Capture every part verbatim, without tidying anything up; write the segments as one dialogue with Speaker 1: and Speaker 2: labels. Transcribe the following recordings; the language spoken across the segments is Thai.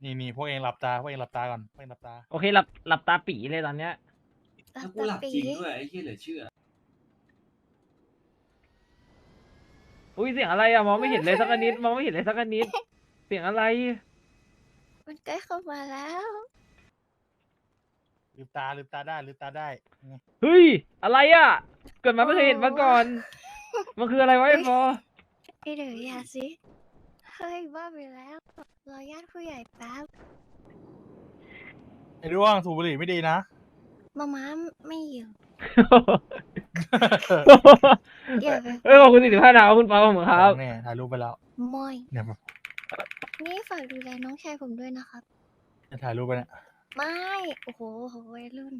Speaker 1: นี่นี่พวกเองหลับตาพวกเองหลับตาก่อนพวกเองหลับตา
Speaker 2: โอเคหลับหลับตาปีเลยตอนเนี้ย
Speaker 3: แล้วกูหลับจริงด้วยไอ้เหี้ยเหลือเชื่อ
Speaker 2: อุ้ยเสียงอะไรอะมองไม่เห็นเลยสักนิดมองไม่เห็นเลยสักนิดเสียงอะไร
Speaker 4: มันใกล้เข้ามาแล้ว
Speaker 1: ลืมตาลืมตาได้ลืมตาได้ไง
Speaker 2: เฮ้ยอะไรอะเกิดมาไม่เคยเห็นมาก่อน มันคืออะไรวะไอ้ฟอ
Speaker 4: ไอเดี๋ยวอย่าสิเฮ้ยบ้าไปแล้วรอญาติผู้ใหญ่แป๊บ
Speaker 1: ไอ้ร่วงสูบบุหรี่ไม่ดีนะ
Speaker 4: มาม้าไม่อยู่อย่าไป
Speaker 2: เอ้ยขอบคุณสี่สิบห้าดาวคุณฟอผมครับ
Speaker 1: เนี่ยถ่ายรูปไปแล้ว
Speaker 4: มอย
Speaker 1: เนี่ยแบบ
Speaker 4: นี่ฝากดูแลน้องชายผมด้วยนะครับ
Speaker 1: ถ่ายรูปไปเนี่ย
Speaker 4: ไม่ โอ้โหโหวัยรุ่น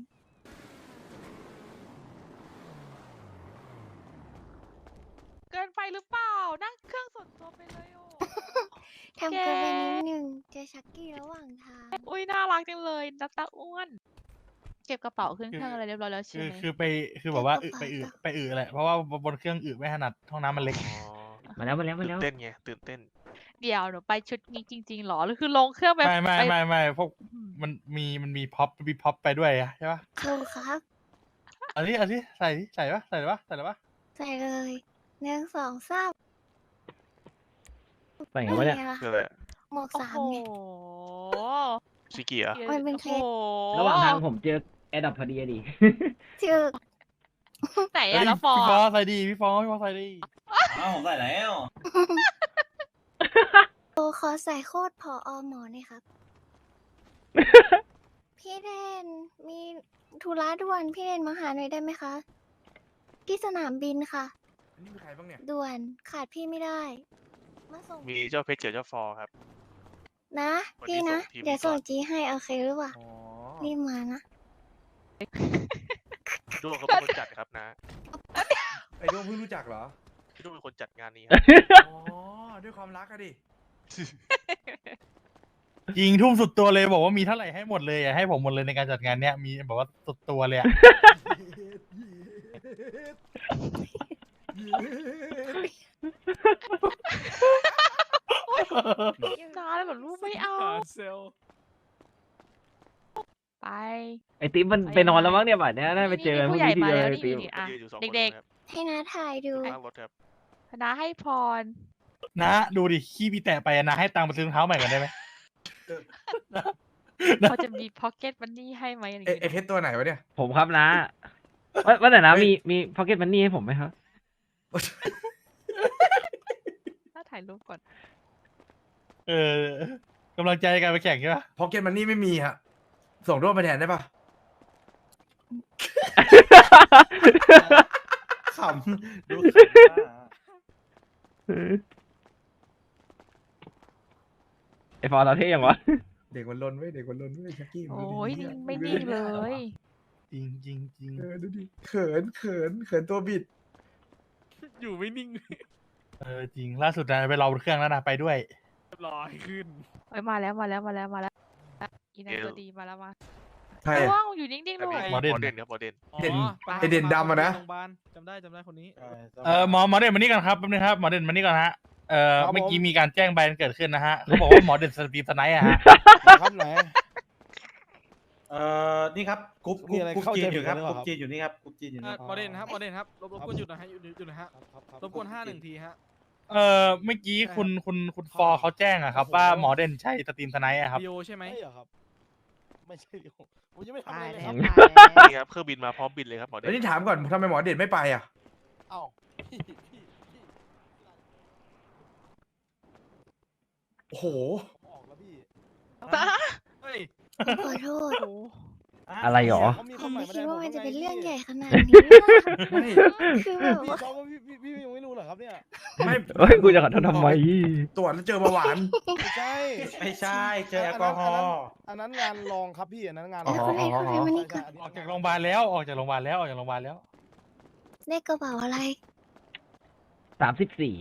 Speaker 5: เกินไปหรือเปล่า นั่งเครื่องส่วนตัวไปเลยโอ้
Speaker 4: ทำเกินไปนิดนึงเจอชักกี้ระหว่างทาง
Speaker 5: อุ้ยน่ารักจังเลยนัตตาอ้วน เก็บกระเป๋าขึ้นเครื่องอะไรเรียบร้อยแล้วใช่
Speaker 1: คือ
Speaker 5: ไหม
Speaker 1: คือไปคือแบบว่าอึไปอึไปอึแหละเพราะว่าบนเครื่องอึไม่ถนัดห้องน้ำมันเล็ก
Speaker 6: อ๋อ
Speaker 2: มาแล้วมาแล้วมา
Speaker 6: ตื่
Speaker 2: แล้ว
Speaker 6: นเต้นไงตื่นเต้น
Speaker 5: เดี๋ยวหนูไปชุดนี้จริงๆหรอหรือคือลงเครื่องไป
Speaker 1: ไม่ไม่
Speaker 5: ป
Speaker 1: ไม่ไม่พวกมันมีมันมีพ็อปมีพ็อปไปด้วยอะใช่ปะ
Speaker 4: ถูกครับ
Speaker 1: อันนี้อันนี้ใส่ดิใส่ปะใส่ปะใส่ปะ
Speaker 4: ใส่เลยหนึ่งสองสาม
Speaker 2: ไปไงวะเนี่ย
Speaker 4: ไงล่ะ
Speaker 6: คืออะไรอะ
Speaker 4: หมวก
Speaker 5: โอ้
Speaker 4: สาม
Speaker 5: โห
Speaker 4: ไง
Speaker 6: ชิกิเหรอ
Speaker 4: มันเป็นเคล็ด
Speaker 5: โอ้โ
Speaker 2: ระหว่างทางผมเจอแอดดับพอดีอะดิ
Speaker 4: ถึก
Speaker 5: ไหน
Speaker 1: เฮ้
Speaker 5: อะ
Speaker 1: ย
Speaker 5: แล้วฟอ
Speaker 1: พี่
Speaker 5: ร์
Speaker 1: ฟอ
Speaker 5: อะ
Speaker 1: ใส่ดีพี่ฟอพี่ฟอใส่ดี
Speaker 3: อ้าวผมใส่แล้ว
Speaker 4: โอขอใส่โคตรพออหมอหน่อยครับ พี่เดนมีธุระด่วนพี่เดนมาหาหน่อยได้ไหมคะ ที่สนามบินค่ะ
Speaker 7: นี่มีใครบ้างเนี่ย
Speaker 4: ด่วนขาดพี่ไม่ได้ มาส่ง
Speaker 6: มีเจ้าเพชรเจอเจ้าฟอครับ
Speaker 4: นะ
Speaker 6: วันนี้
Speaker 4: พี่นะ
Speaker 6: ส่งทีม
Speaker 4: เดี๋ยว
Speaker 6: ก่
Speaker 4: ส่
Speaker 6: อง น
Speaker 4: จีให้โอเคหรือเปล่า
Speaker 7: อ๋อ
Speaker 4: รีบมานะ
Speaker 6: พี่ด้วงเขาเป็นคนจัดครับนะ
Speaker 7: ไอ้ดวงเพิ่งรู้จักเหรอ
Speaker 6: พี่ด้วงเป็นคนจัดงานนี้ครับ
Speaker 7: อ๋อ ด้วยความรักอะดิ
Speaker 1: ยิงทุ่มสุดตัวเลยบอกว่ามีเท่าไหร่ให้หมดเลยอะให้ผมหมดเลยในการจัดงานเนี้ยมีบอกว่าสุดตัวเลยอะ
Speaker 5: จ้าแล้วแบบลูกไม่เอาไป
Speaker 2: ไอติ๊บมันไปนอนแล้วมั้งเนี่ยบ่ายเนี้ยน่าไปเจอกันพรุ่
Speaker 5: ผู้
Speaker 2: ง
Speaker 5: ใหญ่
Speaker 2: นี้ที
Speaker 5: มา
Speaker 2: เดียว
Speaker 5: แล้ว
Speaker 2: เลย
Speaker 5: นี่
Speaker 2: ติ๊บ
Speaker 5: นี่อ่ะ
Speaker 6: ยืนอยู่สองคน
Speaker 5: เด็ก
Speaker 6: ครับ
Speaker 4: ให้น้าถ่ายดู
Speaker 6: ข้างรถครับ
Speaker 5: ๆคณะให้พร
Speaker 1: นะดูดิขี้พี่แตะไปอะนะให้ตังค์ไปซื้อรองเท้าใหม่กันได้ไหม
Speaker 5: เขาจะมีพ็อกเก็ตมันนี่ให้ไหมอะไรอย่าง
Speaker 7: ไอ้ไอ้
Speaker 5: เงี้ย
Speaker 7: เพชรตัวไหนวะเนี่ย
Speaker 2: ผมครับนะว่าว่าแต่นะมีมีพ็อกเก็ตมันนี่ให้ผมไหมครับ
Speaker 5: ถ้าถ่ายรูปก่อน
Speaker 1: เออกำลังใจในการไปแข่งใช่ปะ
Speaker 7: พ็อกเก็ตมันนี่ไม่มีฮะ ส่งร่วมมาแทนได้ปะขำดูขำว่า
Speaker 2: ไอฟอร์เราเท่ยังวะ
Speaker 7: เด็กมันลนไว้ยเด็กมันลนไว้ยชักกี้มัน
Speaker 5: โอ้
Speaker 7: ลน
Speaker 5: ย
Speaker 7: ดิ
Speaker 5: นิ่งไม่นิ่งเลย
Speaker 1: จริงจริงจริง
Speaker 7: เออดูดิ เขินเขินเขินตัวบิด
Speaker 6: อยู่ไม่นิ่ง
Speaker 1: เออจริงล่าสุดนะไปรอบนเครื่องแล้วนะไปด้วย
Speaker 6: ลอยขึ้น
Speaker 5: เอ้ยมาแล้วมาแล้วมาแล้วมาแล้วอีนันตัวดีมาแล้วมา
Speaker 7: ใคร
Speaker 5: ว่
Speaker 7: อะ
Speaker 5: งอยู่นิ่งๆ
Speaker 6: แต่
Speaker 5: ลูก
Speaker 6: มี
Speaker 1: หมอเด่น
Speaker 6: หมอเด่นครับหมอเด่น
Speaker 7: เด่น
Speaker 8: อ๋อ
Speaker 7: ไอ้เด่นดำอะนะ
Speaker 8: โรงพยาบาลจำได้จำได้คนนี้
Speaker 1: เออหมอหมอเด่นมานี่ก่อนครับแป๊บนึงครับหมอเด่นมานี่ก่อนฮะเออ
Speaker 8: ครับผม
Speaker 1: เมื่อกี้มีการแจ้งใบกันเกิดขึ้นนะฮะเขาบอกว่าหมอเด่นสตรีมสไนท์อะฮะ
Speaker 8: ครับไหน
Speaker 9: เอ่อ นี่ครับกรุ๊ปก
Speaker 8: มี
Speaker 9: รุ๊ป
Speaker 8: อะไร
Speaker 9: กรุ๊ป
Speaker 8: เข้า
Speaker 9: จี
Speaker 8: ใจ
Speaker 9: นอยู่ครับ
Speaker 8: ผิด
Speaker 9: ก
Speaker 8: หรือ
Speaker 9: รุ๊
Speaker 8: เปล่า
Speaker 9: ปจีนอยู่นี่ครับกรุ๊ปจีนอยู่
Speaker 8: เอ่
Speaker 9: นี่
Speaker 8: อหมอเด่นครับหมอเด่นครับรบรบกวนหยุดหนะฮะหยุดหยุดหนะฮะครับครับครับรบกวนห้าหนึ่งทีฮะ
Speaker 1: เออเมื่อกี้คุณคุณคุณฟอร์เขาแจ้งอะครับว่าหมอเด่นใช่สตรีมสไนท์อะครับ
Speaker 8: ดีโอใช่ไหมไม่เหรอครับ ไม่ใช่ดิผมผมยังไม่ทำ
Speaker 5: ตา
Speaker 8: อะไร
Speaker 5: ย
Speaker 8: เลย
Speaker 5: แล้
Speaker 8: คว รับ
Speaker 5: ตายแล้ว
Speaker 6: นี่ครับเครื่องบินมาพร้อมบินเลยครับหมอเด่
Speaker 7: แล้ว
Speaker 6: น
Speaker 7: นี่ถามก่อนทำไมหมอเด่นไม่ไปอ่ะ
Speaker 8: เอ้าพี่พี่พี่
Speaker 7: โอ้โห
Speaker 8: ผมออกแล้วพี่
Speaker 5: เฮ้ย
Speaker 4: ขอโทษ
Speaker 5: โอ้
Speaker 2: อะไรหรอ
Speaker 8: เขามี
Speaker 4: ผ
Speaker 8: คน
Speaker 4: ม
Speaker 8: ใหม่
Speaker 4: ไม่
Speaker 8: มา
Speaker 4: คิด
Speaker 8: แทน
Speaker 4: ว่า
Speaker 8: ผ
Speaker 4: มันจะเป็นเรื่องใหญ่ขนาดนี้
Speaker 7: ไม่
Speaker 4: คือแบบ
Speaker 8: พี่
Speaker 4: ว่า
Speaker 8: เขาพี่พี่พี่ยังไม่รู้เหรอครับเนี่ย
Speaker 7: ไม่
Speaker 2: เฮ้ยกูจะขอโทษทำไม
Speaker 7: ตรวจแล้วเจอเบาหวาน
Speaker 8: ไม่ใช่
Speaker 9: ไม่ใช่ เจอแอลกอฮอล์
Speaker 8: อันนั้นงานรองครับพี่อันนั้นงาน
Speaker 4: แล้วคุณให้คุณให้มานี่ก่อน
Speaker 1: ออกจากโรงพยาบาลแล้วออกจากโรงพยาบาลแล้วออกจากโรงพยาบาลแล้ว
Speaker 4: ได้กระเป๋าอะไร
Speaker 2: สามสิบสี่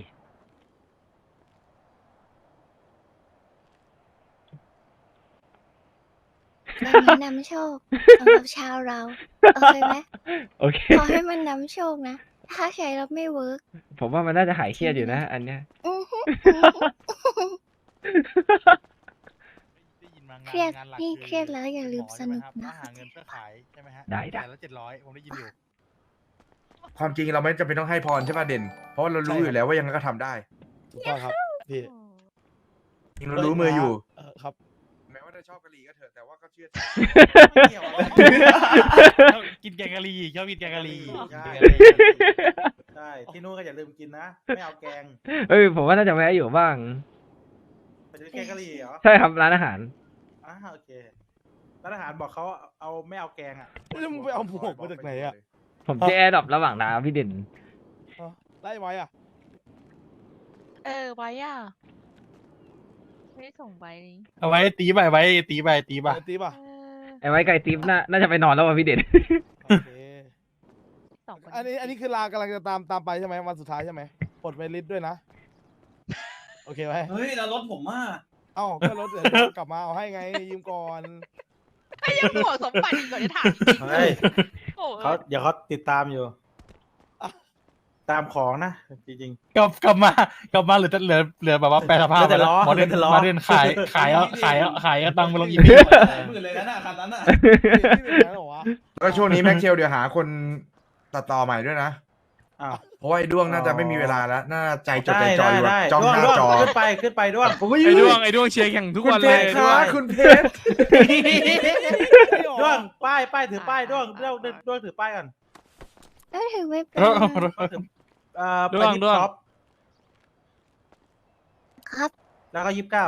Speaker 4: เป็นนี้นำโชคสำหรับชาวเรา โอเคไหม
Speaker 2: โอเค
Speaker 4: ขอให้มันนำโชคนะ ถ้าใช้แล้วไม่เวิร์ก
Speaker 2: ผมว่ามันน่าจะหายเครียดอยู่นะ อันเนี้ย
Speaker 4: อื้อหือ
Speaker 1: ได้ยินมางาน
Speaker 4: เครียด
Speaker 1: งานหลัก
Speaker 4: นี่
Speaker 1: อ
Speaker 4: เครียดแล้วอย่าลืม
Speaker 1: ห
Speaker 4: ส
Speaker 1: ใช่ไห
Speaker 4: นุก
Speaker 1: ครับ
Speaker 4: นะ
Speaker 1: ว่าหาเงินเพื่อขายใช่ไหมฮะ
Speaker 2: ได้ได้
Speaker 1: แต่ละเจ็ดร้อยผมได้ยินอยู่
Speaker 7: ความจริงเราไม่จำเป็นต้องให้พรใช่ป่ะเด่น เพราะว่าเรารู้อยู่แล้วว่ายังไงก็ทำได้
Speaker 8: ถูกต้องครับพี่
Speaker 7: จริงเรารู้มืออยู่
Speaker 8: เออครับ
Speaker 7: แม้ว่าจะชอบกะหรี่ก็เถอะแต่ว่าก็เชื่อ
Speaker 1: กินแกงกะหรี่ชอบกินแกงกะหรี่
Speaker 9: ใช่ ใช่ที่นู้นก็อย่าลืมกินนะ ไม่เอาแกง
Speaker 2: เอ้ยผมว่าน่าจะแวะอยู่บ้าง
Speaker 9: ไปซื้อแกงกะหรี่เหรอ
Speaker 2: ใช่ครับร้านอาหาร
Speaker 9: อ่าโอเคร้านอาหารบอกเขาเอาไม่เอาแกงอ่ะ
Speaker 8: แล้วมึงไปเอาหมวกมาจากไหนอะ
Speaker 2: ผมจะแอร์ดรอประหว่างน้ำพี่เด่น
Speaker 8: อ๋อไล่ไว้อ่ะ
Speaker 5: เออไว้อ่ะไม่ได้ส่งใบนี้
Speaker 1: เอาไว้ตีไปไว้ตีไปตีไป
Speaker 8: เออตีป่ะ
Speaker 5: เออ
Speaker 2: ไอ้ไว้ไก่ติ๊บน่าน่าจะไปนอนแล้วว่ะพี่เด่น
Speaker 8: โอเค
Speaker 5: สองคน
Speaker 8: อันนี้อันนี้คือลากำลังจะตามตามไปใช่ไหมวันสุดท้ายใช่ไหมปลดไปลิสต์ด้วยนะ โอเคไหม
Speaker 3: เฮ้ยแล้วรถผมอ่ะ
Speaker 8: เอ้าก็รถเดี๋ยวกลับมาเอาให้ไงยืมก่อน
Speaker 5: ไอ้ยังบอกสมบัติอีกก่อนจะถามจริง
Speaker 9: เฮ้ย
Speaker 5: ๆโอ้
Speaker 9: เขา
Speaker 5: ย
Speaker 9: เดี๋ยวเขาติดตามอยู่ ตามของนะ จริง
Speaker 1: กลับกลับมากลับมาเหลือแต่เหลือเหลือแบบว่าแปลสภาพ
Speaker 9: เหลือแต่ล้อ
Speaker 1: หมอเดน
Speaker 9: เหลือแต่ล้อ
Speaker 1: หมอเดนขายขายเอาขายเอาขายเอาตังค์ไปลงอี
Speaker 3: ห
Speaker 1: พี
Speaker 3: มื่นเลยนะน่ะคันนั้นอ่ะ
Speaker 8: นี่เป็นอย่างนั้นเหรอวะ
Speaker 7: แล้วก็ช่วงนี้แม็กเชลเดี๋ยวหาคนตัดต่อใหม่ด้วยนะ
Speaker 9: ๆอ้าว
Speaker 7: เพราะว่าไอ้ด้วงน่าจะไม่มีเวลาแล้ว น่าใจจดใจ
Speaker 9: ได้
Speaker 7: จ่อ
Speaker 9: ได้
Speaker 7: อยู่
Speaker 9: ได้
Speaker 7: จ้องหน้า
Speaker 9: ด้วง
Speaker 7: จอ
Speaker 9: ขึ้นไปขึ้นไปด้วง
Speaker 7: ผมก็
Speaker 6: ไอ้ด้วงไอ้ด้วงเชียร์แข่งทุก
Speaker 7: คุณ
Speaker 6: วัน
Speaker 7: เพ
Speaker 6: เล
Speaker 7: ช
Speaker 6: ย
Speaker 7: รค
Speaker 6: ด้ว
Speaker 7: รับ
Speaker 6: ง
Speaker 7: คุณเพชร
Speaker 9: ด้วงป้ายป้ายถือป้ายด้วงด้วงด้วงถือป้ายก่อน
Speaker 4: เอ้ยถึงไม่เป็น
Speaker 1: เออ
Speaker 9: เอ่อไป
Speaker 6: ด้วง
Speaker 9: ยิบ
Speaker 6: ด้วง
Speaker 9: ท็อป
Speaker 4: ครับ
Speaker 9: แล้วก็ยิบเก้า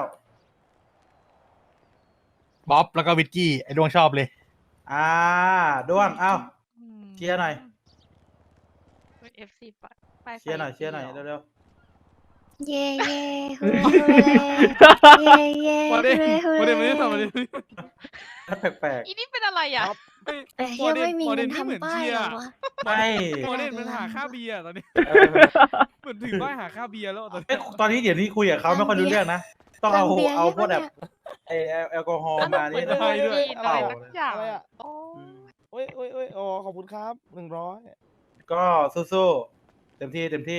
Speaker 1: บ๊อบแล้วก็วิกกี้ไอ้ดวงชอบเลย
Speaker 9: อ่าด้วงเอ้า
Speaker 5: อืม
Speaker 9: เชียร์หน่อย
Speaker 5: เป็น เอฟ ซี ปะไป
Speaker 9: เชียร์หน่อยเชียร์หน่อย
Speaker 5: เร็ว
Speaker 9: เร็ว
Speaker 4: เย่เย่ฮูเล่เย่เย่
Speaker 6: มาดิ
Speaker 4: ฮู
Speaker 6: มา
Speaker 4: เล่
Speaker 6: ดิ
Speaker 4: ฮู
Speaker 6: มาดิ
Speaker 4: เล่
Speaker 6: มาดิ
Speaker 9: ๆแปลก
Speaker 5: อีนี่เป็นอะไรอ่ะ
Speaker 4: เอ้ยยังไม่มี
Speaker 6: โมเด
Speaker 4: เงิ
Speaker 6: ล
Speaker 4: น
Speaker 6: ไม่เหมือน
Speaker 4: ทำป้าย
Speaker 6: เชียร์
Speaker 4: เหรอวะ
Speaker 9: ๆไม่
Speaker 6: โมเดลมันหาค่าเบียร์ตอนนี้
Speaker 9: เออ
Speaker 6: เหมือนถึงป้ายหาค่าเบียร์แล้วตอนนี้
Speaker 9: เอ้ยตอนนี้เดี๋ยวนี้คุยกับเขาไม่ค่อยรู้เรื่องนะ ต้องเอา
Speaker 4: ร้านเบียร์
Speaker 9: เอาพวก
Speaker 4: ใช่
Speaker 9: แบ
Speaker 4: ปะ
Speaker 9: บไอแอลแอลกอฮอล์มานี่
Speaker 6: ได้ด้วย
Speaker 9: เปล่า
Speaker 5: อะไรสักอย่าง
Speaker 8: อะไรอะ
Speaker 5: โอ้
Speaker 8: โอ้ยโอ้ยโอ้ยอ๋อขอบคุณครับหนึ่งร้อย
Speaker 9: ก็สู้ๆเต็มที่เต็มที่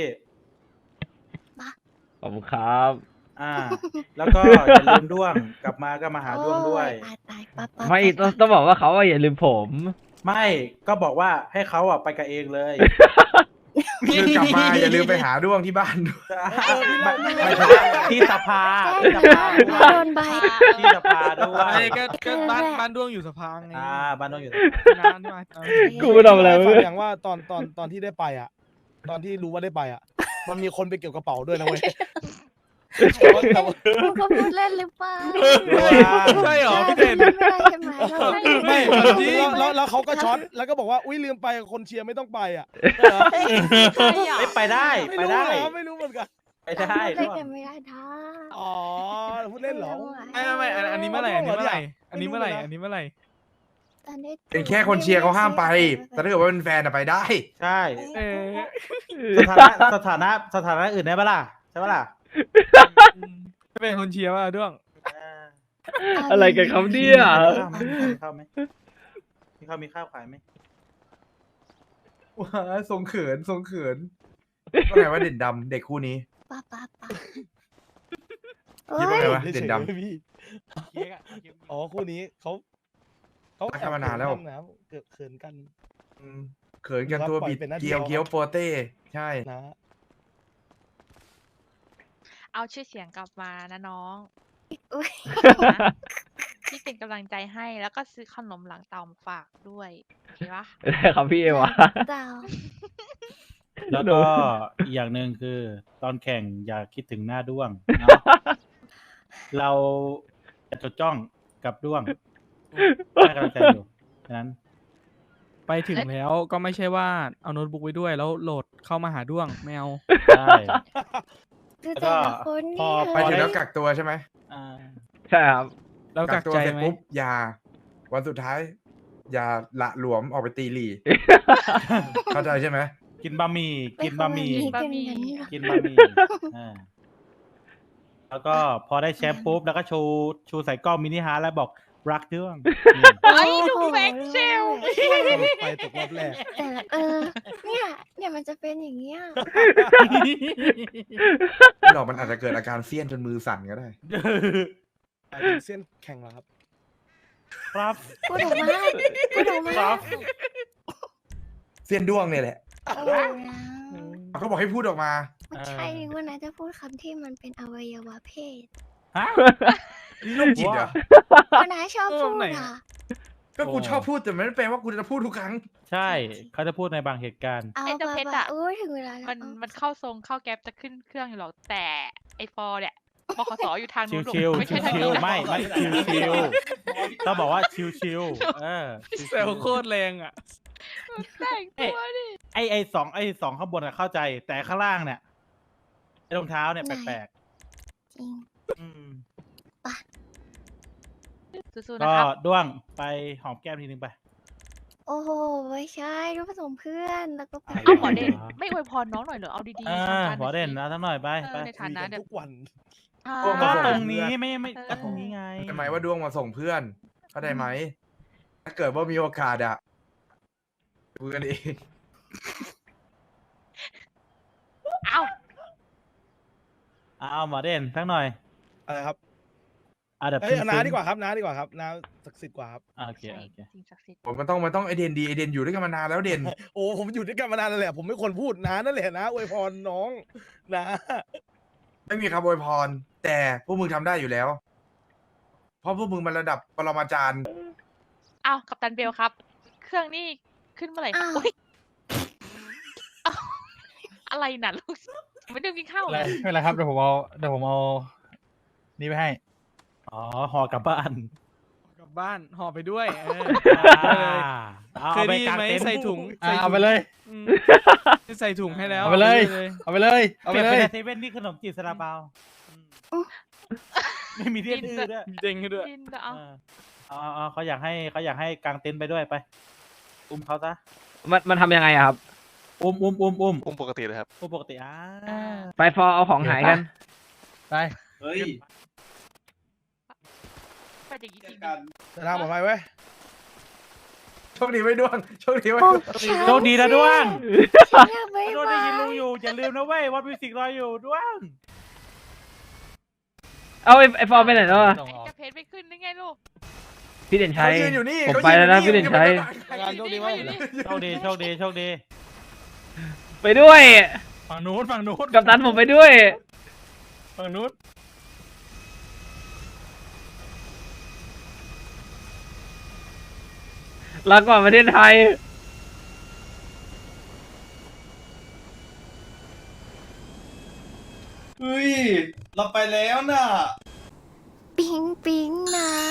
Speaker 2: ขอบคุณครับ
Speaker 9: อ่า แล้วก็อย่าลืมด้วงกลับมาก็มาหาด้วงด้วย
Speaker 4: โอ้ตายตายปั๊บปั๊บ
Speaker 2: ไม่
Speaker 4: ปั๊บ
Speaker 2: ต้องต้องบอกว่าเขาอะอย่าลืมผม
Speaker 9: ไม่ก็บอกว่าให้เขาอ่ะไปกับเองเลย
Speaker 7: คือกลับมาอย่าลืมไปหาด้วงที่บ้านด้วย
Speaker 9: ไม่ใช่ที่สภา
Speaker 4: แจ้
Speaker 9: ที่
Speaker 4: ง
Speaker 9: ส
Speaker 4: นะ
Speaker 9: ภา
Speaker 4: โดนใบ
Speaker 9: ที่สภาด้วย
Speaker 6: ไอ้ก็ก็บ้านบ้านด้วงอยู่สะพานไง
Speaker 9: อ่าบ้านน้องอยู่
Speaker 6: นานใช่ไหม
Speaker 2: กูไม่ทำอะไร
Speaker 8: ฟั
Speaker 2: เว้
Speaker 8: ง
Speaker 2: ย
Speaker 8: อย่างว่าตอนตอนตอนที่ได้ไปอ่ะ ตอนที่รู้ว่าได้ไปอ่ะ มันมีคนไปเกี่ยวกระเป๋าด้วยนะเว้ยแต่ว่าแต่ว่า
Speaker 4: มึงก็พูดเล่นหรือเปล่า
Speaker 6: ใช่เหรอพี่เด่น
Speaker 4: ไม่เป็นไรใช่ไหมเรา
Speaker 8: ไม่
Speaker 6: จริง
Speaker 8: แล้วแล้วแล้วเขาก็ช็อตแล้วก็บอกว่าอุ้ยลืมไปคนเชียร์ไม่ต้องไปอ่ะ
Speaker 5: ใช่อ่ะ
Speaker 9: ไม่ไปได้
Speaker 8: ไม่
Speaker 9: ไป
Speaker 8: รู้
Speaker 9: ได้
Speaker 8: เหรอไม่รู้เหมือนกัน
Speaker 9: ไปได้
Speaker 4: เล่น
Speaker 9: ด้วง
Speaker 4: กันไม่ได้ท่า
Speaker 8: อ๋อพูดเล่นเหรอ
Speaker 6: ไม่ไม่ไม่อันอันนี้เมื่อไหร่อันนี้เมื่อไหร่อันนี้เมื่อไหร่
Speaker 8: ไม่รู้นะ
Speaker 6: อันนี้เมื่อไหร่
Speaker 4: ตอนนี้
Speaker 7: เป็นแค่คนเชียร์เขาห้ามไป แต่ถ้าเกิดว่าเป็นแฟนอะไปได้
Speaker 9: ใช่
Speaker 6: เออ
Speaker 9: สถานะสถานะสถานะอื่นได้ปะล่ะใช่ปะล่ะ
Speaker 6: จะเป็นคนเชียร์ว่าด้วง
Speaker 9: อ่า
Speaker 2: อะไรกันครับเนี่ย
Speaker 9: มีข้าวไหมมีข้าวไหมมีข้าวมีข้าวขายไหม
Speaker 7: ว้าทรงเขินทรงเขินก็ไงว่าเด่นดำเด็กคู่นี้
Speaker 4: ป้าป้าป้า
Speaker 7: คิดว่าไงวะ
Speaker 8: ฉยๆ
Speaker 7: เด่นดำ
Speaker 8: พี่
Speaker 6: เค้กอะเค้ก
Speaker 8: อ๋อคู่นี้เขาเขา
Speaker 7: รักกันมานานแล้ว
Speaker 8: เกิดเขินกัน
Speaker 7: อืมเขินกันตัวบิด
Speaker 8: ปล่อยเป็นหน้าที่
Speaker 7: เกียว
Speaker 8: เรา
Speaker 7: เกียวโปเต้ใช่
Speaker 8: นะ
Speaker 5: เอาชื่อเสียงกลับมานะน้อง
Speaker 4: อุ้ย
Speaker 5: นะที่เป็นกำลังใจให้แล้วก็ซื้อขนมหลังเตามาฝากด้วยโอเคปะ
Speaker 2: ได้ครับพี่เอวะ
Speaker 4: เจ้า
Speaker 9: แล้วก็อีกอย่างหนึ่งคือ ตอนแข่งอย่าคิดถึงหน้าด้วงเนาะเราจะจดจ้องกับด้วงให้กำลังใจอยู่ฉะนั้น
Speaker 6: ไปถึงแล้วก็ไม่ใช่ว่าเอาโน้ตบุ๊กไว้ด้วยแล้วโหลดเข้ามาหาด้วงไม่เอา
Speaker 9: ใช่
Speaker 4: คือ
Speaker 9: แล้วก็
Speaker 4: แต่ละคน
Speaker 9: พอ
Speaker 4: นี่
Speaker 7: ไปถึงแล้วกักตัวใช่ไหม
Speaker 9: อ่า
Speaker 2: ใช่ครับ
Speaker 6: แล้วกัก
Speaker 7: ตัว
Speaker 6: ใจ
Speaker 7: เสร็จ
Speaker 6: ไหม
Speaker 7: ปุ๊บอย่า วันสุดท้าย อย่าละหลวมออกไปตีหลี เข้าใจใช่ไหม
Speaker 9: กินบะหมี่กินบะหมี่
Speaker 4: ไเป็นอย่างนั้นหรอก
Speaker 9: กินบะหมี่อ่าแล้วก็พอได้แชมป์ปุ๊บแล้วก็ชูชูใส่กล้องมินิฮาร์ทแล้วบอกรักด้วงนี่
Speaker 5: ไอ้ดูแบ็คเซล
Speaker 8: ไปตกรอบแรก
Speaker 4: แต่ละเออ เนี่ยเนี่ยมันจะเป็นอย่างเงี้ย
Speaker 7: หรอกมันอาจจะเกิดอาการเสี้ยนจนมือสั่นก็ได้
Speaker 8: หมายถึงเส้นแข่งเหรอครับ
Speaker 9: ครับ
Speaker 4: พูดออกมาพูดออกมา
Speaker 9: ครับ
Speaker 7: เสียนด้วงเนี่ยแหละ
Speaker 4: โอ้ยนะ
Speaker 7: เขาบอกให้พูดออกมา
Speaker 4: มันใช่นึกว่านะจะพูดคำที่มันเป็นอวัยวะเพศ
Speaker 9: ฮะ
Speaker 7: นี่โรคจิตเหรอ
Speaker 4: ก็นะชอบพูดอ่ะ
Speaker 7: ก็กูชอบพูดแต่ไม่ได้แปลว่ากูจะพูดทุกครั้ง
Speaker 9: ใช่เขาจะพูดในบางเหตุการณ์
Speaker 4: เอา
Speaker 5: ไอ้เจ้าเพชร
Speaker 4: บา
Speaker 5: อะ
Speaker 4: ๆโอ้ยถึงเวลาแล้ว
Speaker 5: มัน
Speaker 4: เอา
Speaker 5: มันเข้าทรงเข้าแก๊ปจะขึ้นเครื่องอยู่หรอกแต่ไอฟอร์เนี่ยบขสอยู่ทางนู้นลูก
Speaker 9: ชิวๆ
Speaker 5: ไม่ใช่ทาง
Speaker 9: ชิ
Speaker 5: นี้
Speaker 9: ว
Speaker 5: นะ
Speaker 9: ๆไม่ไม่ชิวชิวๆต้องบอกว่าชิวชิวๆเออชิวๆ
Speaker 6: แซวโคตรแรงอ่ะ
Speaker 5: แต่งตัวดิ
Speaker 9: ไอไอสองไอสองข้างบนอะเข้าใจ แต่ข้างล่างเนี่ยไอรองเท้าเนี่ยแปลก
Speaker 4: จริง
Speaker 9: ๆอืม
Speaker 5: สู้ๆ
Speaker 9: ก็
Speaker 5: นะครับ
Speaker 9: ด้วงไปหอมแก้มทีนึงไป
Speaker 4: โอ้โหไม่ใช่รูปผสมเพื่อนแล้วก็ไป
Speaker 9: อะไร
Speaker 5: เอ้าหมอเด่น
Speaker 9: เหรอ
Speaker 5: ไม่อวยพรน้องหน่อยเหรอเอาดี
Speaker 9: อ่า
Speaker 5: ๆทำการ
Speaker 9: หัวเด่น
Speaker 5: ห
Speaker 9: นะ
Speaker 5: อยสิ
Speaker 9: ทั้งหน่อยไป
Speaker 5: เอ
Speaker 9: ไป
Speaker 5: อในฐานะ
Speaker 8: คุย
Speaker 5: เด็
Speaker 8: กั
Speaker 5: ก
Speaker 8: ทุกวัน
Speaker 5: อ่า
Speaker 7: พวก
Speaker 9: ก็
Speaker 7: มาส่
Speaker 9: ตรงนี้ไม่ไม่
Speaker 5: เออ
Speaker 9: ก็ตรงนี้ไง
Speaker 7: ใช่ไหมว่าด้วงมาส่งเพื่อน เข้าใจไหม ถ้าเกิดว่ามีโอกาสอะคุยกันเอง
Speaker 5: เอ้า
Speaker 9: เอาหมอเด่นทั้งหน่อย
Speaker 8: อะไรครับ
Speaker 9: อ่ะเดี๋ยว
Speaker 8: เอ้ยเอาน้า
Speaker 9: ซึ้งๆ
Speaker 8: ดีกว่าครับน้าดีกว่าครับน้าศักดิ์สิทธิ์กว่าครับ
Speaker 9: อ่ะโอเค
Speaker 5: ใช่
Speaker 9: โอเค
Speaker 5: สิ่งศักดิ์สิทธิ์
Speaker 7: ผมมันต้องมันต้องไอเดนดีไอเดนอยู่ด้วยกันมานานแล้วเด่น
Speaker 8: โอ้ผมอยู่ด้วยกันมานานแล้วแหละผมไม่ควรพูดน้านั่นแหละนะอวยพรน้องนะ
Speaker 7: ไม่มีคำอวยพร แต่พวกมึงทำได้อยู่แล้ว เพราะพวกมึงมันระดับปรมาจารย์
Speaker 5: เอ้ากัปตันเบลครับ เครื่องนี่ขึ้นเมื่อไหร่ครับ
Speaker 4: อ้าว
Speaker 5: อุ๊ยเอ้าอะไรน่ะลูกไม่ได้กินข้าว
Speaker 1: ไม่
Speaker 5: เล
Speaker 1: เป็นไร
Speaker 5: ย
Speaker 1: ไม่เป็นไรครับเดี๋ยวผมเอาเดี๋ยวผมเอานี่ไปให้
Speaker 9: อ๋อห่อกลับบ้าน
Speaker 6: กลับบ้านห่อไปด้วยเออ
Speaker 9: อ่าเอา
Speaker 6: เคย
Speaker 9: ไป
Speaker 6: ได้ยิ
Speaker 9: กาน ง
Speaker 6: ไหม
Speaker 9: เต็นท์
Speaker 6: ใส่ถุง
Speaker 1: อ่ะ
Speaker 6: ใส่
Speaker 1: เอา
Speaker 6: ถุง
Speaker 1: ไปเลย
Speaker 6: อืมใส่ถุงให้แล้ว
Speaker 1: เอาไปเลย เอาไปเลยเอา
Speaker 9: เป
Speaker 1: ไป
Speaker 9: ลี่ยน
Speaker 1: เล
Speaker 9: เป็น
Speaker 1: ย
Speaker 9: เซเว่นนี่ขนมจีบซาลาเปาไม่มีเทียนอื่นด้วย
Speaker 6: เด้งให้ด้วย
Speaker 5: กินแต่เอา
Speaker 9: เออเอาเอาเอาเขาอยากให้เขาอยากให้กางเต็นท์ไปด้วยไป อุ้มเขาซะ
Speaker 2: มันมันทำยังไงอะครับ
Speaker 9: อุ้มอุ้มอุ้มอุ้ม
Speaker 10: อุ้มปกติเลยครับ
Speaker 9: อุ้มปกติอ่า
Speaker 5: อ่า
Speaker 2: ไปฟอร์เอาของหายกัน
Speaker 1: ไป
Speaker 3: เฮ้ย
Speaker 5: ไปอย่างนี้จริง
Speaker 3: กัน
Speaker 8: จะทำออกไปไว้ย
Speaker 7: โชคดีไว้ด้วงโชคดีไว้
Speaker 4: โอ้
Speaker 7: ด้วง
Speaker 9: โชคดีนะด้วง
Speaker 4: ฉันอยากไป
Speaker 9: ด้วงได้ยินลุงอยู่อย่าลืมนะเว้ยวัดมิวสิกรออยู่ด้วง
Speaker 2: เอาไอ้ไอฟอร์ไปไหนแล้วอะ
Speaker 5: ไอ้เจ้าเพชรไม่ขึ้นได้ไงลูก
Speaker 2: พี่เด่นชัย
Speaker 7: เขายืนอยู่นี่
Speaker 2: ผม
Speaker 7: ขา
Speaker 2: ไปแล้วนะ
Speaker 7: ยื
Speaker 2: พี่เด่นชัย
Speaker 8: งานโชคดีมากเลย
Speaker 9: โชคดีโชคดีโชคดี
Speaker 2: ไปด้วย
Speaker 1: ฝั่งนู้นฝั่งนู้น
Speaker 2: กับตันผมไปด้วย
Speaker 1: ฝั่งนู้น
Speaker 2: ลาก่อนประเทศไทย
Speaker 3: เฮ้ย เราไปแล้วน่ะ
Speaker 4: ปิ๊งปิ๊งนะ